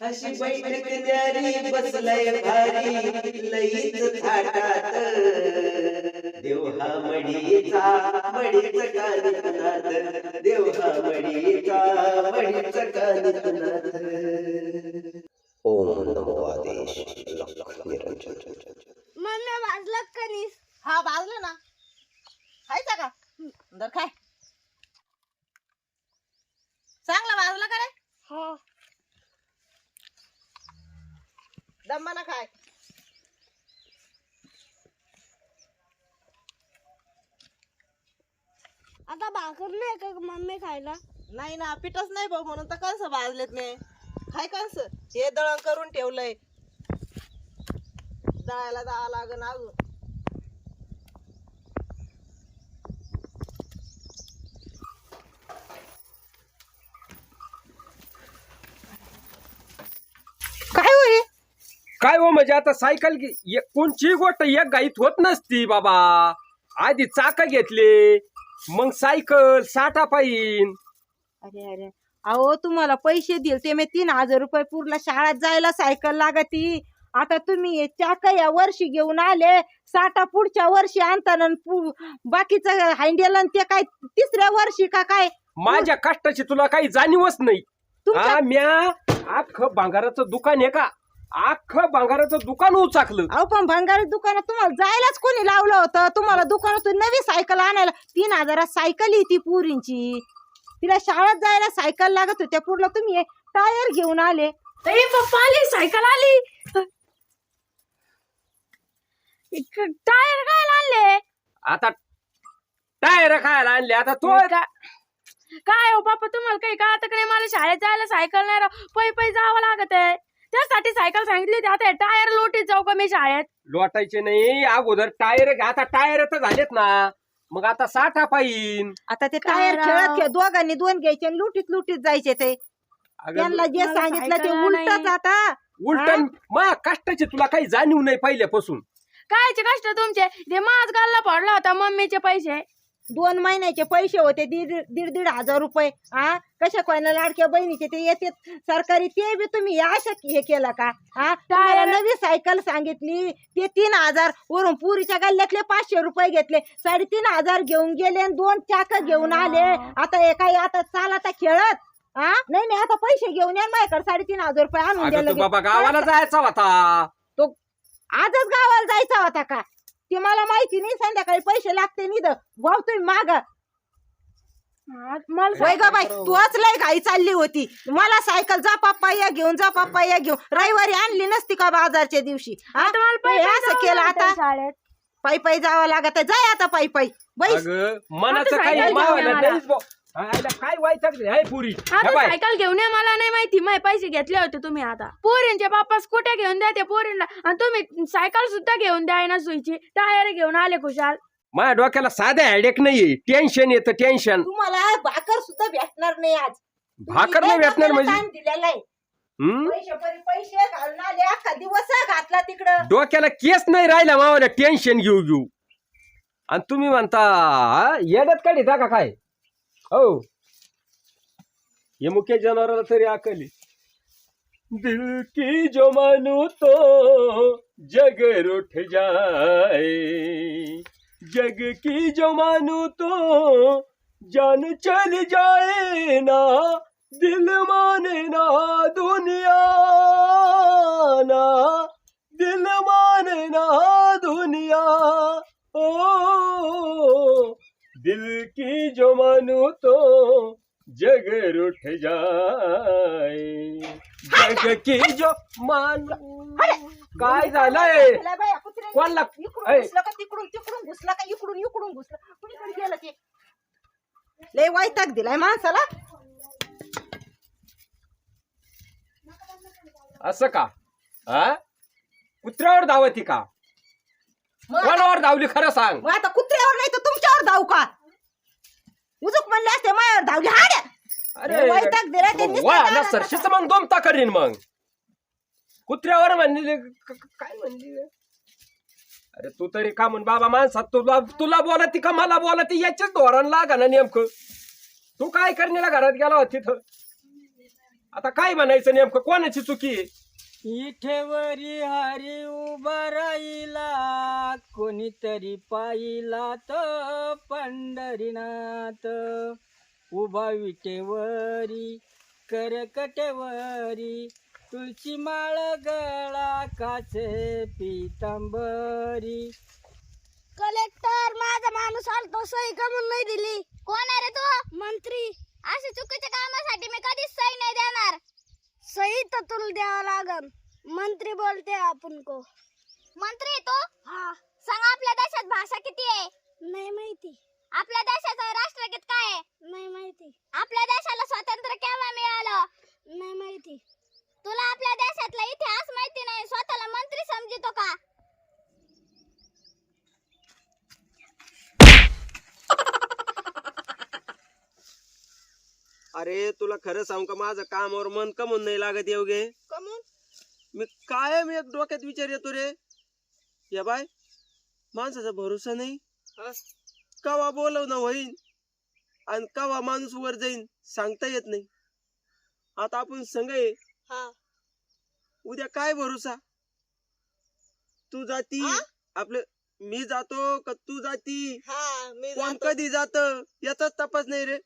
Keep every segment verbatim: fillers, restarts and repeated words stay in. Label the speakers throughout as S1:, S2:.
S1: अशी बैठक न्यारी बसलाय भारी लईच थाटात देव हा मडीचा मडीच कानिकनाथ देव हा मडीचा मडीच कानिकनाथ. ओम नमो आदेश लख निरंजन.
S2: मम्मी भाजलं कणीस.
S3: हा भाजलं ना, खायचा का दर खाय. चांगला भाजला का रे?
S2: हो.
S3: दम्माना खाय.
S2: आता भाकर नाही का मम्मी खायला?
S3: नाही ना, पिठच नाही भाऊ, म्हणून तर कंस भाजलेत मी. खाय कंस हे दळण करून ठेवलंय, दळायला जावं लागन अजून. काय होय
S4: काय हो म्हणजे आता सायकल घे- एक- कोणची गोष्ट एक गाईत होत नसती बाबा. आधी चाक घेतले, मग सायकल साठा पाहिन.
S3: अरे अरे अहो, तुम्हाला पैसे दिले ते मी तीन हजार रुपये पूर्ण शाळेत जायला सायकल लागती. आता तुम्ही हे चाक या वर्षी घेऊन आले, साठा पुढच्या वर्षी आणताना बाकीचं हँडल आणि ते काय तिसऱ्या वर्षी का काय?
S4: माझ्या कष्टाची तुला काही जाणीवच नाही.
S3: तुमच्या-
S4: हा, म्या अख्खं भांगाराचं दुकान आहे का, अख्खं भांगाराचं दुकान उचाकलं.
S3: अहो पण भंगारी दुकानात तुम्हाला जायलाच कोणी लावलं होतं? तुम्हाला दुकानातून नवी सायकल आणायला तीन हजारात सायकल आहे ती पुरींची. तिला शाळेत जायला सायकल लागत होत्या, पूर्ण तुम्ही टायर घेऊन आले.
S2: तरी पप्पा आली, सायकल आली. टायर काय आणले?
S4: आता टायर खायला आणले. आता तो
S2: का- काय हो पप्पा, तुम्हाला काही कळत का नाही? मला शाळेत जायला सायकल नाही राव, पै पै जावं लागत आहे. त्यासाठी सायकल सांगितली होती. आता टायर लोटीत जाऊ का मी शाळेत?
S4: लोटायचे नाही अगोदर टायर. आता टायर तर झालेत ना, मग आता साठा पाहिन.
S3: आता ते
S2: काय
S3: टायर
S2: राव?
S3: खेळत खेळ दोघांनी दोन घ्यायचे आणि लुटीत लुटीत जायचे. ते
S4: अगं,
S3: त्यांना जे
S2: मला
S3: सांगितलं ते
S2: सायकल
S3: उलटच.
S2: नाही.
S3: आता
S4: उलटन मा कष्टाची तुला काही जाणीव नाही पहिल्यापासून.
S2: कायचे कष्ट तुमचे? ते माझ गालला पडला होता मम्मीचे पैसे.
S3: दोन महिन्याचे पैसे होते दीड दीड दीड हजार रुपये. हा, कशा कोणा लाडक्या बहिणीचे ते येते सरकारी, ते बी तुम्ही अशा हे केलं का? हा, तुम्हाला नवी सायकल सांगितली ते तीन हजार वरून पुरीच्या गल्ल्यातले पाचशे रुपये घेतले, साडेतीन हजार घेऊन गेले आणि दोन चाक घेऊन आले. आता हे काय आता चाल आता खेळत? हा, नाही नाही, आता पैसे घेऊन या माझ्याकडे, साडेतीन हजार रुपये आणून
S4: अगं
S3: द्यायला
S4: तू बाबा गावाला जायचा होता.
S3: तो आजच गावाला जायचा होता का? ते मला माहिती नाही. संध्याकाळी पैसे लागते निध भाऊ तुम्ही माग.
S2: मला
S3: वय ग बाई, तूच लय घाई चालली होती. मला सायकल जा पप्पा या घेऊन, जा पप्पा या घेऊन. रविवारी आणली नसती का बाजारच्या दिवशी? हा?
S2: आता मला
S3: हे
S2: पैसे
S3: असं
S2: जावं
S3: केलं
S2: लागतं
S3: आता?
S2: शाळेत.
S3: पायी पायी जावं लागत आहे. जाय आता पायी पायी बाई.
S4: अगं मनाचं
S2: आता
S4: काही
S2: सायकल
S4: मावाला
S2: घेऊन या
S4: नाहीच बुवा. हा, आईला काय व्हायचं हाय पुरी.
S2: आता
S4: हे बाय,
S2: सायकल घेऊन या, मला नाही माहिती. माझे पैसे घेतले होते तुम्ही. आता पोरींचे बाप्पा स्कूट्या घेऊन द्या ते पोरींना, आणि तुम्ही सायकल सुद्धा घेऊन द्या ना सुईची. टायर घेऊन आले खुशाल.
S4: माझ्या डोक्याला साधं हेडेक नाहीये, टेन्शन येतं टेन्शन.
S3: तुम्हाला भाकर सुद्धा भेटणार नाही आज.
S4: भाकर नाही भेटणार म्हणजे
S3: टाइम दिलेला आहे.
S4: हम्म?
S3: पैसे परी पैसे घालून आले, अख्खा दिवस घातला तिकडं.
S4: डोक्याला केस नाही राहिला मावाला टेन्शन घेऊ घेऊ. आणि तुम्ही म्हणता हा, येड्यात काढिता का काय? हो, ये मुख्य जनावराला तरी अकली. दिल की जो मानू तो जग रूठ जाए, जग की जो मानू तो जान चल जाए ना, दिल माने ना दुनिया ना, दिल माने ना दुनिया. ओ दिल की जो मानू तो जग रूठ जाए, जग की जो मानू. काय झालंय?
S3: चला बाया, कुत्र्याने
S4: कोणला?
S3: इकडून
S4: ऐ.
S3: घुसलं का तिकडून तिकडून घुसला का इकडून इकडून घुसलं, कुणीकडे गेलं ते? लय वैताग दिलाय माणसाला.
S4: असं का? हा, कुत्र्यावर धावती का?
S3: मग
S4: कोणावर धावली खरं सांग.
S3: मग आता कुत्र्यावर नाही तर तुमच्यावर धावू का? उजूक म्हणले असते माझ्यावर धावली. हाड्या
S4: अरे
S3: वैताग दिला ते नुसतं
S4: वा ना
S3: दारात
S4: सरशीच मग दोमता करीन. मग कुत्र्यावर म्हणले क- क- काय म्हणली? अरे तू तरी का म्हण बाबा माणसात, तुला तुला बोलती का मला बोलती याच्याच धोरण लागा ना नेमकं. तू काय करण्याला घरात गेला होता तिथं? आता काय म्हणायचं नेमकं कोणाची चुकी आहे?
S5: इठेवरी हरी उभा राहिला कोणीतरी पाहिला तो पंढरीनाथ उभा विटेवरी करकटेवरी तुळशी माळ गळा काचे पितांबरी.
S6: कलेक्टर माझा माणूस आलतो सही का म्हणून नाही दिली. कोण आहे रे तू? मंत्री. अशा चुकीच्या कामासाठी मी कधीच सही नाही देणार. सही तर तुला द्यावं लागल. मंत्री बोलते आपण को. मंत्री तो? हा. सांग आपल्या देशात भाषा किती आहे? नाही माहिती. आपल्या देशाचं राष्ट्रगीत काय आहे? नाही माहिती. आपल्या देशाला स्वातंत्र्य केव्हा मिळालं? नाही माहिती. तुला आपल्या देशातला इतिहास माहिती नाही, स्वतःला मंत्री समजितो का?
S1: अरे तुला खरं सांगू का, माझं कामावर मन कमून नाही लागत येवगे.
S3: कमून
S1: मी कायम एक डोक्यात विचार येतो रे. या बाय माणसाचा भरोसा नाही. कवा बोलवणं होईन आणि कवा माणूस वर जाईन सांगता येत नाही. आता आपण संग आहे,
S3: हा
S1: उद्या काय भरोसा. तू जाती आपलं, मी जातो का तू जाती,
S3: हा मी
S1: कोण
S3: जातो.
S1: कधी जात याचाच तपास नाही रे.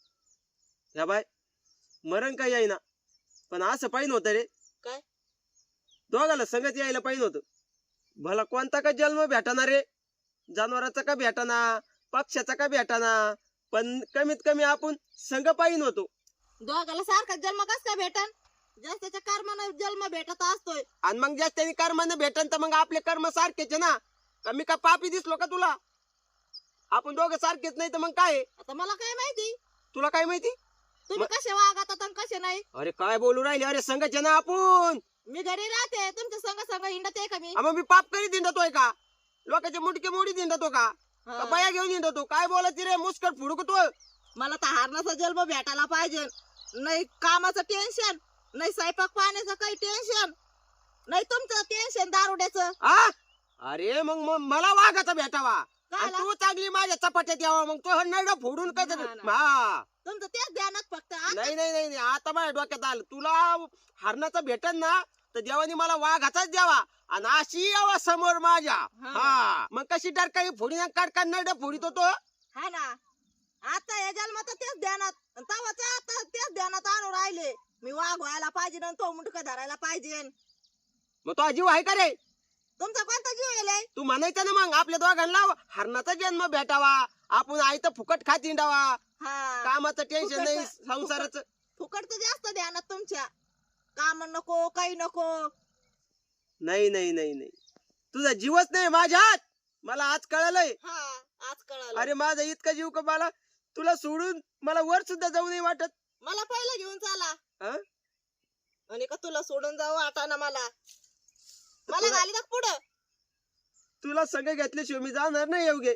S1: या बाय मरण काय यायना, पण असं पाहिजे होतं रे.
S3: काय?
S1: दोघाला संगत यायला पाहिजे होतं. भला कोणता का जन्म भेटाना रे, जनावराचा का भेटाना, पक्ष्याचा का भेटाना, पण कमीत कमी आपण संग पाहिजे होतो.
S3: दोघाला सारखा जन्म कस काय भेटन? जास्तीच्या कर्मानं जन्म भेटत असतोय.
S1: आणि मग जास्त त्यांनी कर्मानं भेटन तर मग आपले कर्म सारखेच आहे ना. का मी का पापी दिसलो का तुला? आपण दोघं सारखेच नाही तर मग काय?
S3: आता मला काय माहिती
S1: तुला काय माहिती?
S3: तुम्ही कसे वागतात आणि कसे नाही.
S1: अरे काय बोलू राहिले, अरे संगच आहे ना आपण.
S3: मी घरी राहते, तुमच्या संग संग हिंडत आहे का मी?
S1: हा, मग मी पाप करीत हिंडतोय का? लोकांचे मुटके मोडी हिंडतो का? का बाया घेऊन हिंडतो? काय बोलायची रे, मुस्कट फुडू तो.
S3: मला तर हारणाचा जन्म भेटायला पाहिजे. नाही कामाचं टेन्शन, नाही स्वयंपाक पाण्याचं काही टेन्शन, नाही तुमचं टेन्शन दारुड्याचं.
S1: हा अरे मग मग मला वाघाचा भेटावा आणि
S3: काला?
S1: तू चांगली माझ्या चपाट्यात यावा, मग तो नरडा फोडून काय
S3: ना,
S1: तर-
S3: ना.
S1: हा
S3: तुमचं तेच ध्यानात फक्त. आता
S1: नाही नाही नाही नाही, आता माझ्या डोक्यात आलं. तुला हरणाचा भेटन ना तर देवानी मला वाघाचाच द्यावा आणि अशी यावा समोर माझ्या.
S3: हा.
S1: हा मग कशी डरकाळी फोडी काढ नरडा फोडीतो तो.
S3: हा ना, आता या जन्मात तेच ध्यानात, तवाच आता तेच ध्यानात आणून राहिले. मी वाघ व्हायला पाहिजे आणि तो मुंडक धरायला पाहिजे.
S1: मग तो जीव आहे का रे?
S3: तुमचा कोणता जीव येलाय?
S1: तू म्हणायचं ना मग आपल्या दोघांना हरणाचा जन्म भेटावा, आपण आई तर फुकट खात हिंडावा,
S3: हा
S1: कामाचं टेन्शन
S3: फुकट-
S1: नाही, संसाराचं.
S3: फुकटचं जास्त ध्यानात तुमच्या. काम नको काही नको.
S1: नाही नाही नाही नाही, तुझा जीवच नाही माझ्यात. मला आज कळलंय.
S3: हा आज कळालं.
S1: अरे माझा इतका जीव का, मला तुला सोडून मला वर सुद्धा जाऊ नाही वाटत.
S3: मला पहिलं घेऊन चाला
S1: हा?
S3: आणि का तुला सोडून जाऊ वाटाना मला. मला
S1: तुला-
S3: घाली टाक पुढं.
S1: तुला सगळे घेतल्याशिवाय मी जाणार नाही योगे.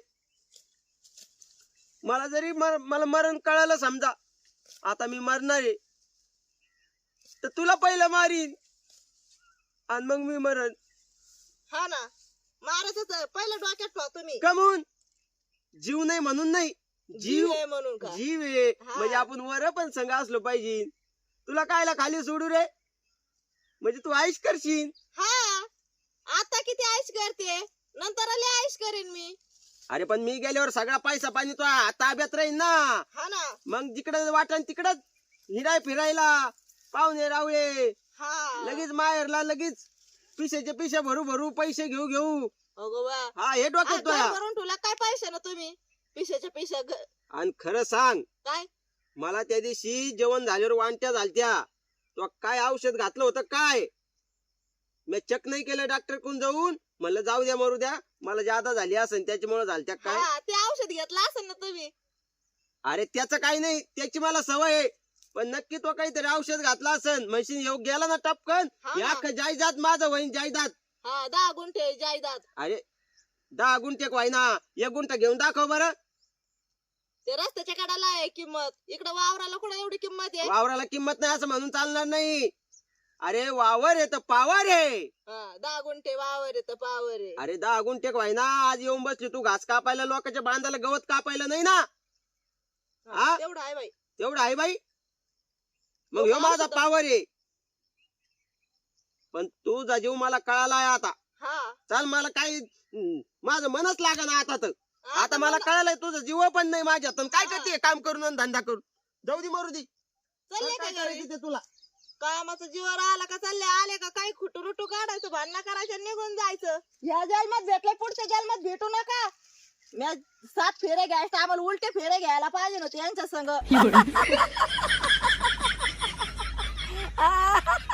S1: मला जरी मर, मला मरण कळालं समजा, आता मी मरणार आहे, तर तुला पहिलं मारीन आणि मग मी मरण.
S3: हा ना, मारायचं पहिलं डोक्यात ठेवा तुम्ही.
S1: कमून जीव नाही म्हणून नाही, जीव
S3: आहे म्हणून का?
S1: जीव आहे
S3: हा.
S1: म्हणजे आपण वर पण संघ असलो पाहिजे. तुला कायला खाली सोडू रे, म्हणजे तू आईश करशील.
S3: हा आता किती आईश करते, नंतर आले आईश करेन मी.
S1: अरे पण मी गेल्यावर सगळा पैसा पाणी तो ताब्यात राहील ना.
S3: हा ना.
S1: मग जिकडे वाटण तिकडच हिराय फिरायला, पाहुणे रावळे,
S3: हा
S1: लगेच माहेरला, लगेच पिशेचे पिशे भरू भरू पैसे घेऊ घेऊ.
S3: अगो बा.
S1: हा हे डोक्यात
S3: आ,
S1: तुया.
S3: घर भरून ठेवला काय पैसे ना तुम्ही? पिशाच्या पिशा घ-
S1: आणि खरं सांग,
S3: काय
S1: मला त्या दिवशी जेवण झाल्यावर वांट्या झालत्या. तो काय औषध घातलं होतं काय, मी चेक नाही केलं डॉक्टर कोण जाऊन. म्हणलं जाऊ द्या मरू द्या, मला जादा झाली असेल त्याच्यामुळे झालत्या काय.
S3: हा ते औषध घेतलं असेल ना तुम्ही.
S1: अरे त्याचं काही नाही, त्याची मला सवय आहे. पण नक्की तो काहीतरी औषध घातला असेल. म्हशीन येऊ गेला ना टपकन,
S3: हा ना.
S1: या जायदाद माझं होईन जायदाद.
S3: हा दहा गुंठे जायदाद.
S1: अरे दहा गुंठे व्हायना, एक गुंठा घेऊन दाखव बरं.
S3: ते रस्त्याच्या कडाला आहे किंमत, इकडे वावराला कुठे एवढी किंमत आहे?
S1: वावराला किंमत नाही असं म्हणून चालणार नाही. अरे वावर आहे तर पावर आहे.
S3: हा दहा गुंठे वावर आहे तर पावर आहे.
S1: अरे दहा गुंठे व्हायना, आज येऊन बसली तू घास कापायला, लोकांच्या बांधाला गवत कापायला नाही ना.
S3: हा,
S1: हा?
S3: तेवढं आहे बाई.
S1: तेवढं आहे बाई. मग ह्यो माझा पावर आहे. पण तुझा जीव मला कळाला आहे आता. चाल मला काही हम्म, माझं मनच लागा ना आता तर. आता मला कळालंय तुझं जीव पण नाही माझ्यात. आणि काय करते काम करून आणि धंदा करून. जाऊ दे मरू दे.
S3: चालले
S1: काय
S3: का घरी?
S1: करायचं ते तुला.
S3: कामाचं जीवर आला का चालले आले का काही खुटू रुटू काढायचं भांडणं करायचं निघून जायचं. ह्या जन्मात भेटलं पुढच्या जन्मात भेटू नका. मी सात फेरे घ्यायचं आम्हाला उलटे फेरे घ्यायला पाहिजे नव्हते यांच्या संग.